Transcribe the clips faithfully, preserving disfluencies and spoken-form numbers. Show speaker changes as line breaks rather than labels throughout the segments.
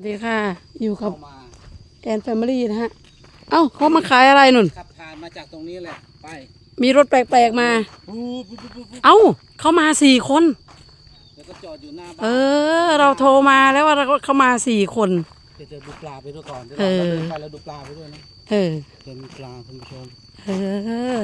สวัสดีค่ะอยู่กับแอนแฟมิลี่นะฮะเอ้าเขามาขายอะไรนุ่น
ขับผ่านมาจากตรงนี้แหละไป
มีรถแปลกๆมาเอ้าเขามาสี่คน
แล้วก็จอดอยู่หน้าบ้าน
เออเราโทรมาแล้วว่าเขามาสี่คน
เดี๋ยวจะดูปลาไปด้วยก่อนเดี๋ยวเราเดินไปแล้วดูปลาไปด้วยนะ
เออ
เดินปลาคุณผู้ชม
เออ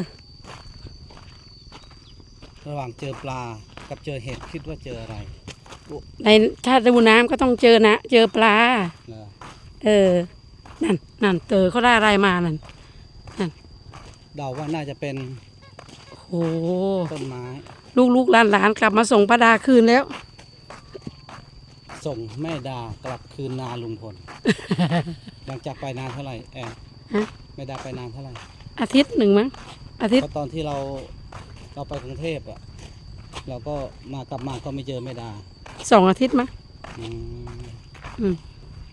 ระหว่างเจอปลากับเจอเห็ดคิดว่าเจออะไร
ในถ้าดูน้ำก็ต้องเจอนะเจอปลาเออนั่นนั่นเตอเขาได้อะไรมานั่นนั่น
เดาว่าน่าจะเป็น
โอ้
ต้นไม้
ลูกๆหลานๆกลับมาส่งป้าดาคืนแล้ว
ส่งแม่ดากลับคืนนาลุงพลหลังจากไปนานเท่าไหร่แอนแม่ดาไปนานเท่าไหร่
อาทิตย์หนึ่งมั้งอาทิตย์
เพราะตอนที่เราเราไปกรุงเทพอ่ะเราก็มากลับมาก็ไม่เจอแม่ดา
สองอาทิตย์มั้ง
อืม
อืม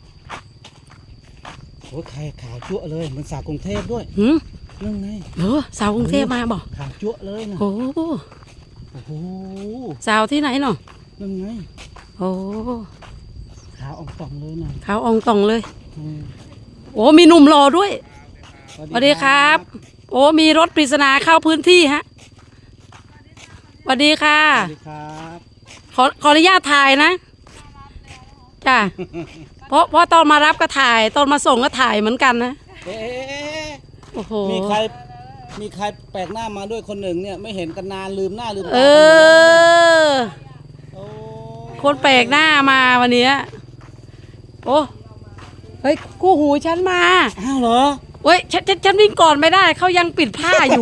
โอ้ยไข่ขาวจั่วเลยมันสาวกรุงเทพด้วย
หืม
นั่นไง
เออสาวกรุงเทพมาบอก
ขาวจั่วเลยนะ
โอ้
โอ้โห
สาวที่ไหนเนาะ
นั่นไง
โอ้
ขาวอ่องต่องเลยนะ
ขาวอ่องต่องเลยโอ้มีหนุ่มรอด้วยสวัสดีครับโอ้มีรถปริศนาเข้าพื้นที่ฮะสวัสดีค่ะ
สวัสดีครับ
ขอขออนุญาตถ่ายนะจ้ะเพราะเพราะตอนมารับก็ถ่ายตอนมาส่งก็ถ่ายเหมือนกันนะ
เอ๊ะ
โอ้โห
มีใครมีใครแปลกหน้ามาด้วยคนหนึ่งเนี่ยไม่เห็นกันนานลืมหน้าลืมตา
เออคนแปลกหน้ามาวันนี้โอ้เฮ้ยกู้หูฉันมา
อ้าวเหรอ
เฮ้ยฉันฉันฉันวิ่งก่อนไม่ได้เขายังปิดผ้าอยู่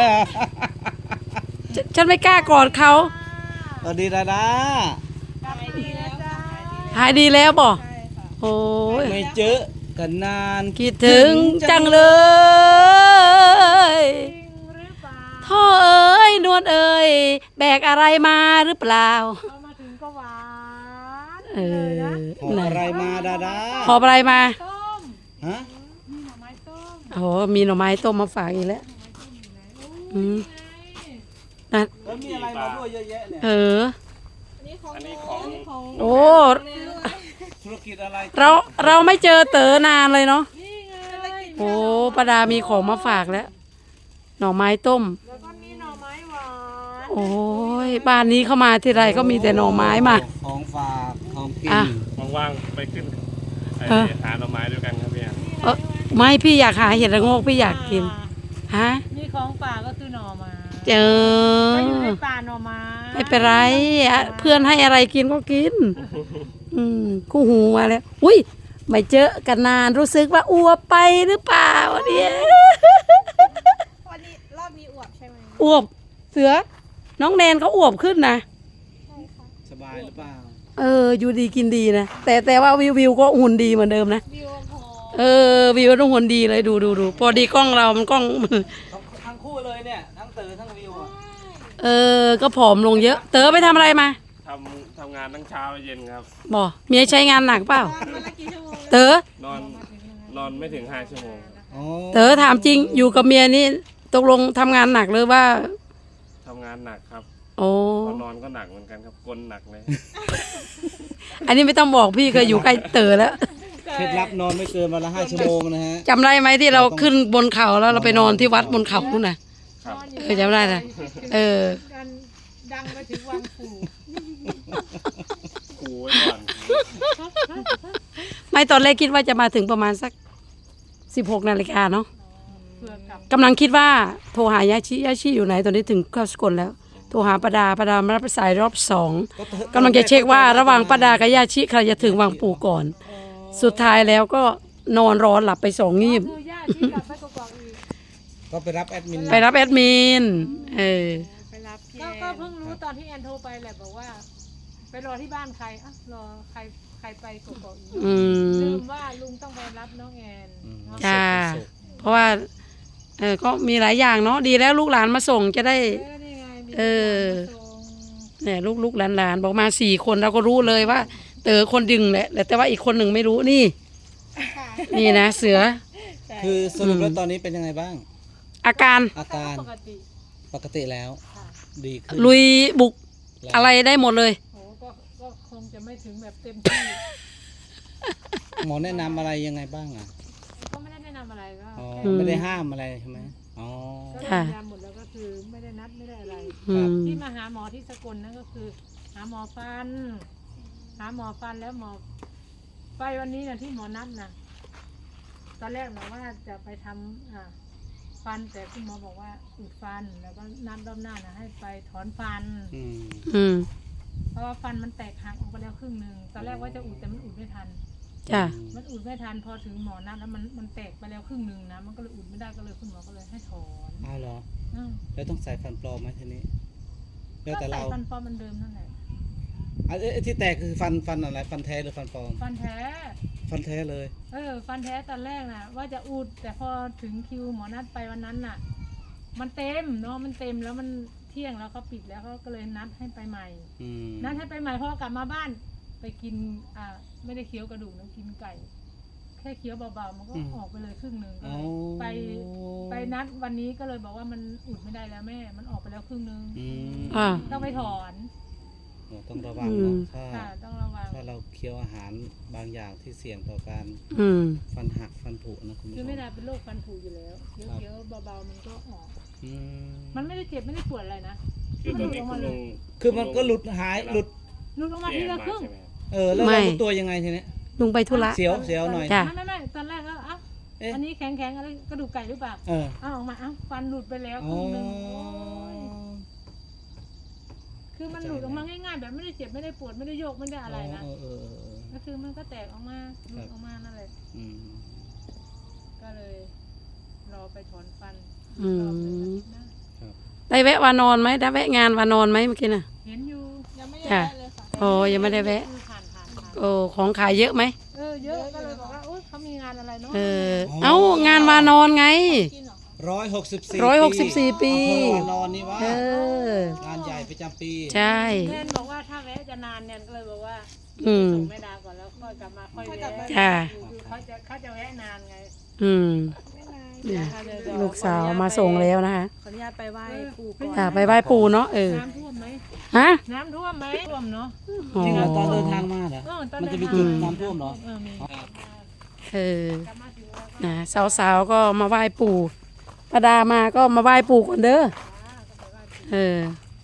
ฉันไม่กล้ากอดเขา
สวัสดีดาดา
หายดีแล้วบ่โอ้ย
ไม่เจอกันนาน
คิดถึงจังเลยท่อเอ้ยนวลเอ้ยแบกอะไรมาหรือเปล่า
มาถึงก็หวาน
เออ
หอบอะไรมาดาดา
หอบอะไรมา
ฮะ
มีหน่อไม้ต้ม
โอ้มีหน่อไม้ต้มมาฝากอีกแล้วอืม
แล้วมีอะไรมาด้วยเยอะแยะเนี่ย
เออ
อันนี้ของ
โอ้
ธุรกิจอะไร
เราเราไม่เจอเต๋อนานเลยเนาะโอ้ป้าดามีของมาฝากแล้วหน่อไม้ต้ม
แล้วก็มีหน่อไม้หวาน
โอ้ยบ้านนี้เข้ามาที่ไรก็มีแต่หน่อไม้มา
ของฝากของกิ
นว่างๆไปขึ้นหาหน่อไม้ด้วยกันครับพี่
เออไม่พี่อยากหาเห็ดระโงกพี่อยากกินฮะ
นี่ของป่าก็คือหน่อไม้
เจอ
ก็อยู่ในป่าหน่อไม้
ไม่เป็นไรเพื่อนให้อะไรกินก็กินอืมคู่หูมาแล้วอุ้ยไม่เจอกันนานรู้สึกว่าอ้วบไปหรือเปล่าเนี่ย
วันนี้รอบนี้อวบใช่ไหม
อ้วบเสือน้องแนนเขาอ้วบขึ้นนะ
ใช่ค่ะ
สบายหรือเปล่า
เอออยู่ดีกินดีนะแต่แต่ว่าวิววิวก็หุ่นดีเหมือนเดิมนะ
วิวพอ
เออวิวต้องหุ่นดีเลยดูดูดูพอดีกล้องเรามันกล้อง
ทั้งคู่เลยเนี่ยทั้งเต๋อทั้งวิวอ่ะ
เออก็ผอมลงเยอะเต๋อไปทำอะไรมา
ทำทำงานทั้งเช้าเย็นครับ
บ่เมียใช้งานหนักเปล่าเต๋อน
อนนอนไม่ถึงห้าชั่วโมง
เต๋อถามจริงอยู่กับเมียนี่ตกลงทำงานหนักหรือว่า
ทำงานหนักครับ
โอ้
นอนก็หนักเหมือนกันครับกลนหนักเลย
อันนี้ไม่ต้องบอกพี่เคยอยู่ใกล้เต๋อแล้ว
เคล็ดลับนอนไม่เกินวันละห้าชั่วโมงนะฮะ
จำได้ไหมที่เราขึ้นบนเขาแล้วเราไปนอนที่วัดบนเขานู่นน่ะเออจำได้นะเออ
ดังไปถึงวังปู่
ปู่ไว้ก่อน
ไม่ตอนแรกคิดว่าจะมาถึงประมาณสักสิบหกนาฬิกาเนาะกำลังคิดว่าโทรหายาชิยาชิอยู่ไหนตอนนี้ถึงเข้าสกลแล้วโทรหาป้าดาป้าดามารับสายรอบสองกำลังจะเช็คว่าระหว่างป้าดากับยาชิใครจะถึงวังปู่ก่อนสุดท้ายแล้วก็นอนรอหลับไปสองงีบ
ก็ไปรับแอดมิน
ไปรับแอดมินเออ
ไปรับก็เพิ่งรู้ตอนที่แอนโทรไปแหละบอกว่าไปรอที่บ้านใครอ่ะรอใครใครไปกกอกอีกลืมว่าลุงต้องไปรับน้องแอน
จ้าเพราะว่าเออก็มีหลายอย่างเนาะดีแล้วลูกหลานมาส่งจะได้เออเนี่ยลูกลูกหลานหลานบอกมาสี่คนเราก็รู้เลยว่าเต๋อคนดึงแหละแต่ว่าอีกคนหนึ่งไม่รู้นี่นี่นะเสือ
คือสรุปแล้วตอนนี้เป็นยังไงบ้าง
อาการ
อาการปกติปกติแล้วดีขึ้น
ลุยบุกอะไรได้หมดเลย
โอ้ก็ก็คงจะไม่ถึงแบบเต็มที่
หมอแนะนำอะไรยังไงบ้างอ่ะ
ก็ไม่ได้แนะนำอะไรก็
อ๋อ
แค่
ไม่ได้ห้ามอะไรใช่ไหมอ๋อ
ก็
ค่ะ
ยืนยันหมดแล้วก็คือไม่ได้นัดไม่ได้อะไร
อืม
ที่มาหาหมอที่สกลนั่นก็คือ หาหมอฟัน หาหมอฟันแล้วหมอไปวันนี้นะที่หมอนัดนะตอนแรกนะว่าจะไปทำอ่าฟันแต่คุณหมอบอกว่าอุดฟันแล้วก็นัดรอบหน้านะให้ไปถอนฟัน
อืม
อืม
เพราะว่าฟันมันแตกหักออกไปแล้วครึ่งหนึ่งตอนแรกว่าจะอุดแต่มันอุดไม่ทัน
จ้ะ
มันอุดไม่ทันพอถึงหมอนัดแล้วมันมันแตกไปแล้วครึ่งหนึ่งนะมันก็เลยอุดไม่ได้ก็เลยคุณหมอก็เลยให้ถอน
อ้าวเหรอ
อืม
แล้วต้องใส่ฟันปลอมไหมทีนี้แล้ว
ก็
แต่
ใส่
เรา
ฟันปลอมเหมันเดิมนั่นแหละ
อ่ะเอ้ยที่แตกคือฟันฟันอะไรฟันแท้หรือฟันปลอม
ฟันแท้
ฟันแท้เลย
เออฟันแท้ตอนแรกนะว่าจะอุดแต่พอถึงคิวหมอนัดไปวันนั้นน่ะ มันเต็มเนาะมันเต็มแล้วมันเที่ยงแล้วเขาปิดแล้วเขาก็เลยนัดให้ไปใหม่
อืม
นัดให้ไปใหม่เพราะว่ากลับมาบ้าน ไปกินอ่าไม่ได้เคี้ยวกระดูกนะกินไก่ แค่เคี้ยวเบาๆมันก็ออกไปเลยครึ่งหนึ่งก็
อ๋อ
เลยไปไปนัดวันนี้ก็เลยบอกว่ามันอุดไม่ได้แล้วแม่ มันออกไปแล้วครึ่งหนึง
อืม
อ่า
ต้องไปถอน
โอ้ต้องระวังเนาะถ้า
ค่ะต้องระวัง
ถ้าเราเคี้ยวอาหารบางอย่างที่เสี่ยงต่อการ
อืม
ฟันหักฟันผุนะคุณผู้
คื
ช
อ
ม
ไม่ได้เป็นโรคฟันผุอยู่แล้วเคี้ยวเคี้ยวเบาๆมันก็ออก
อืม
มันไม่ได้เจ็บไม่ได้ปวดอะไรนะ
คือตอนนี้คุณลุง
คือมันก็หลุดหายหลุด
หลุดออกมาที
แย่
ละ
มา
ครึ่ง
ใช่ไหมครับ
เออแล้ว
ไม่
เรารู้ตัวยังไงทีเนี้ย
ลุงไปธุระ
เสียวเสียวหน่อย
จ้ะ
ไม่ไม่ไม่ตอนแรกก็เอ้า
เอ๊ะ
อันนี้แข็งแข็งๆอะไรกระดูกไก่หรือเปล่า
เออ
เอ้าออกมาเอ้าฟันหลุดไปแล้วค
อ๋อ
รึ่งหนึงโอ้ยคือมันหลุดออกมาง่ายๆแบบไม่ได้เจ็บไม่ได้ปวดไม่ได้โยกไม่ได้อะไรนะ
เออเออเออเออ
ก็คือมันก็แตกออกมาหลุดออกมานั่นแหละ
อืม
ก็เลยรอไปถอนฟัน
อืม
รอบหนึ่งอาทิตย์หน้า
ได้แวะวานอนไหมได้แวะงานวานอนไหมเมื่อกี้น่ะ
เห็นอยู่
ยังไม่
ค่ะ
ได้เลยค่ะ
โอ้ยังไม่ได้แวะ
คือผ่านผ่านผ่าน
โอ้ของขายเยอะไหม
เออเยอะก็เลยบอกว่าโอ๊ยเขามีงานอะไรเนาะ
เออ เอ้างานวานอนไง
กินเหรอคะ
ร้อยหกสิบสี่
ร้อยหกสิบสี่ปี
นอนนี่วะ
เออ
งานใหญ่ประจำปี
ใช่
แนนบอกว่าถ้าแวะจะนานแนนก็เลยบอกว่า
อืม
ส่งแม่ดาก่อนแล้วค่อยกลับมาค่อยแวะ
จ้ะ
คือเขาจะเขาจะแวะนานไง
อืม
ไม่นาน
เนี่ย
นะคะเดี๋ยวเดี๋ยว
ลูกสาวมาส่งแล้วนะคะ
ขออนุญาตไปไหว้ปู่ก่อน
อ่าไปไหว้ปู่เนาะเออ
น้ำท่วมไหม
ฮะ
น้ำท่วมไหมท่วมเนาะ
อ๋อ
จริงเหรอตอนเดินทางมาเหรอ
เออตอน
มัน
เดิ
จะ
น
มี
ทาง
จุดน้ำท่วมเหรอ
เออมี
เออ
กลับมาถึงแล้วก็
นะสาวๆก็มาไหว้ปู่ป้าดามาก็มาไหว้ปู่ก่อนเด้อเออ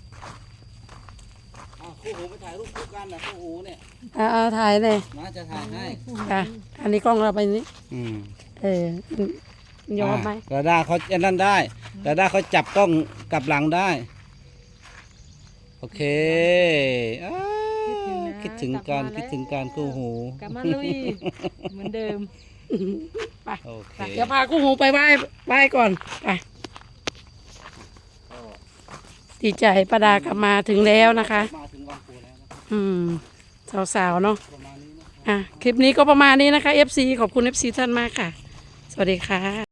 อ้าวคู่หูไปถ่ายรูปคู่กันนะคู่หูเนี่ย
เอาเอาถ่ายเลย
มาจะถ่ายให้
ค่ะอันนี้กล้องเราไปนี้
อืม
เออมันยอมไหม
ดาด้าเขาอันนั้นได้ดาด้าเขาจับกล้องกลับหลังได้ โอเคอ้าวคิดถึงการคิดถึงการคู่หู
กลับมาลุยเหมือนเดิม
ไป
โอเค
เดี๋ยวพากู้หูไปไหว้ไหว้ก่อนไปดีใจป้าดากลับมาถึงแล้วนะคะ
มาถึงวังปูแล้วนะครับ
อืมสาวๆเนาะ
ประมาณนี้นะ
อ่ะคลิปนี้ก็ประมาณนี้นะคะ เอฟ ซี ขอบคุณ เอฟ ซี ท่านมากค่ะ สวัสดีค่ะ